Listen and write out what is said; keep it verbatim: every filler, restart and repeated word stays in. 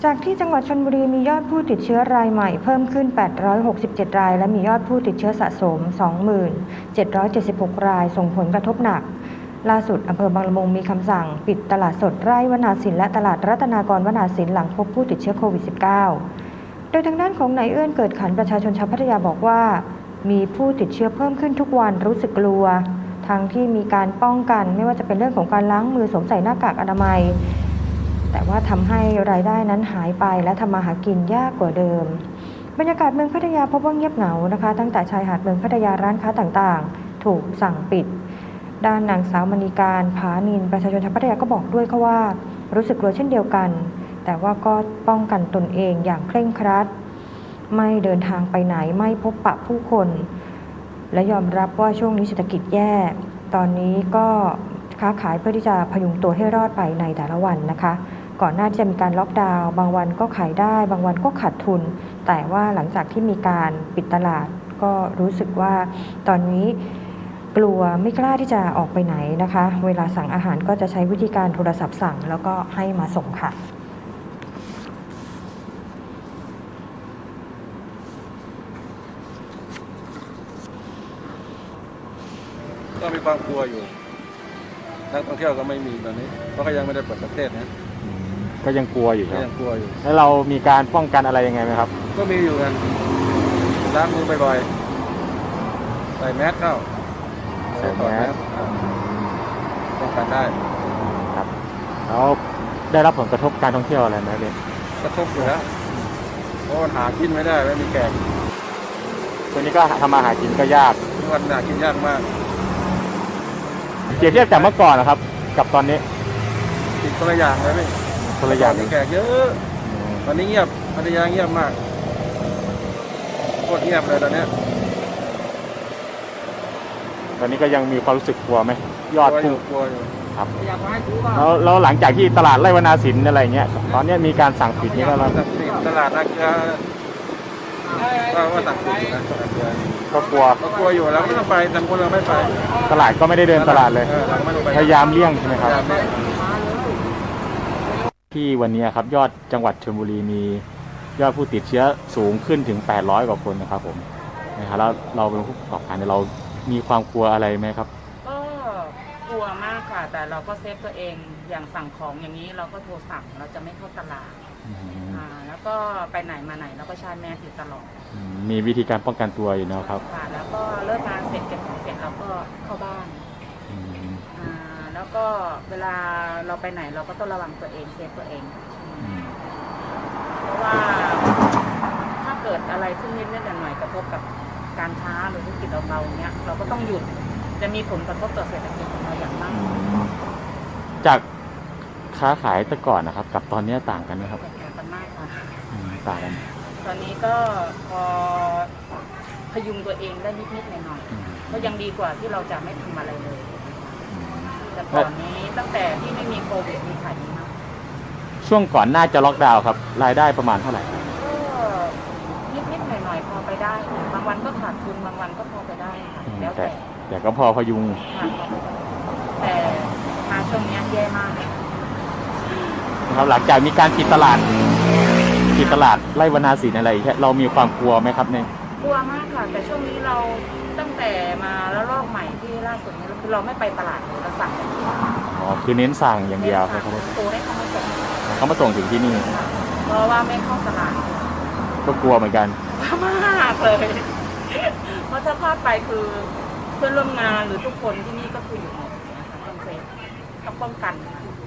จากที่จังหวัดชลบุรีมียอดผู้ติดเชื้อรายใหม่เพิ่มขึ้นแปดร้อยหกสิบเจ็ดรายและมียอดผู้ติดเชื้อสะสม สองหมื่นเจ็ดร้อยเจ็ดสิบหก รายส่งผลกระทบหนักล่าสุดอำเภอบางละมุงมีคำสั่งปิดตลาดสดไร่วนาสินและตลาดรัตนากรวนาสินหลังพบผู้ติดเชื้อโควิด สิบเก้า โดยทางด้านของนายเอื้อนเกิดขันประชาชนชาวพัทยาบอกว่ามีผู้ติดเชื้อเพิ่มขึ้นทุกวันรู้สึกกลัวทั้งที่มีการป้องกันไม่ว่าจะเป็นเรื่องของการล้างมือสวมใส่หน้ากากอนามัยแต่ว่าทำให้รายได้นั้นหายไปและทำมาหากินยากกว่าเดิมบรรยากาศเมืองพัทยาพบว่าเงียบเหงานะคะตั้งแต่ชายหาดเมืองพัทยาร้านค้าต่างๆถูกสั่งปิดด้านนางสาวมณีการผานินประชาชนชาวพัทยาก็บอกด้วยค่ะว่ารู้สึกกลัวเช่นเดียวกันแต่ว่าก็ป้องกันตนเองอย่างเคร่งครัดไม่เดินทางไปไหนไม่พบปะผู้คนและยอมรับว่าช่วงนี้เศรษฐกิจแย่ตอนนี้ก็ค้าขายเพื่อที่จะพยุงตัวให้รอดไปในแต่ละวันนะคะก่อนหน้าที่จะมีการล็อกดาวน์บางวันก็ขายได้บางวันก็ขาดทุนแต่ว่าหลังจากที่มีการปิดตลาดก็รู้สึกว่าตอนนี้กลัวไม่กล้าที่จะออกไปไหนนะคะเวลาสั่งอาหารก็จะใช้วิธีการโทรศัพท์สั่งแล้วก็ให้มาส่งค่ะก็มีความกลัวอยู่นักท่องเที่ยวก็ไม่มีตอนนี้เพราะก็ยังไม่ได้เปิดประเทศนะก็ยังกลัวอยู่คก็รับยังกลัวอยู่แล้วเรามีการป้องกันอะไรยังไงไหมครับก็มีอยู่กันล้างมือบ่อยๆใส่แมสเข้าใส่แมสป้องกันได้ครับแล้วได้รับผลกระทบการท่องเที่ยวอะไรไหมเนี่ยกระทบอยู่แล้วเพราะหากินไม่ได้ไม่มีแขกตัวนี้ก็ทำมาหากินก็ยากทุกวันหากินยากมากเทียบจากเมื่อก่อนนะครับกับตอนนี้ติดคนละอย่างเลยพี่คนละอย่างมีแขกเยอะตอนนี้เงียบพัทยาเงียบมากโคตรเงียบเลยตอนนี้ตอนนี้ก็ยังมีความรู้สึกกลัวไหมยอดพุ่งกลัวอยู่ครับแล้วแล้วหลังจากที่ตลาดไร่วนาสินอะไรเงี้ยตอนนี้มีการสั่งปิดนี่ก็แล้วตลาดนักเกลือก็ว่าสั่งปิดนะก็กลัวก็กลัวอยู่แล้วไม่ต้องไปแต่คนเราไม่ไปตลาดก็ไม่ได้เดินตลาดเลยพยายามเลี่ยงใช่ไหมครับที่วันนี้ครับยอดจังหวัดชลบุรีมียอดผู้ติดเชื้อสูงขึ้นถึงแปดร้อยกว่าคนนะครับผมนะครับแล้วเราเป็นผู้ประกอบการเรามีความกลัวอะไรไหมครับก็กลัวมากค่ะแต่เราก็เซฟตัวเองอย่างสั่งของอย่างนี้เราก็โทรสั่งเราจะไม่เข้าตลาดอ่าแล้วก็ไปไหนมาไหนเราก็ใช้แมสอยู่ตลอดมีวิธีการป้องกันตัวอยู่นะครับค่ะแล้วก็เลิกงานเสร็จเก็บของเสร็จเราก็เข้าบ้านอ่าแล้วก็เวลาเราไปไหนเราก็ต้องระวังตัวเองเซฟตัวเองเพราะว่าถ้าเกิดอะไรขึ้นนิดนิดหน่อยๆกระทบกับการค้าหรือธุรกิจเราๆเนี้ยเราก็ต้องหยุดจะมีผลกระทบต่อเศรษฐกิจของเราอย่างมากจากค้าขายแต่ก่อนนะครับกับตอนนี้ต่างกันไหมครับต่างกันมากค่ะต่างกันตอนนี้ก็พอพยุงตัวเองได้นิดๆหน่อยๆก็ยังดีกว่าที่เราจะไม่ทำอะไรเลยแต่ตอนนี้ตั้งแต่ที่ไม่มีโควิดมีขายดีมากช่วงก่อนน่าจะล็อกดาวน์ครับรายได้ประมาณเท่าไหร่ก็นิดๆหน่อยๆพอไปได้บางวันก็ขาดทุนบางวันก็พอไปได้ค่ะแล้วแต่แต่ก็พอพยุงแต่มาช่วงนี้แย่มากครับหลังจากมีการปิดตลาดปิดตลาดไร่วนาสินอะไรแค่เรามีความกลัวไหมครับเนี่ยกลัวมากค่ะแต่ช่วงนี้เราตั้งแต่มาแล้วรอบใหม่ที่ล่าสุดนี้คือเราไม่ไปตลาดเราสั่งอ๋อคือเน้นสั่งอย่างเดียวครับโทรให้เขามาส่งเขามาส่งถึงที่นี่เพราะว่าไม่เข้าตลาดก็กลัวเหมือนกันมากเลยเพราะถ้าพลาดไปคือเพื่อนร่วมงานหรือทุกคนที่นี่ก็คืออยู่หมดนะคะต้องเซฟต้องป้องกัน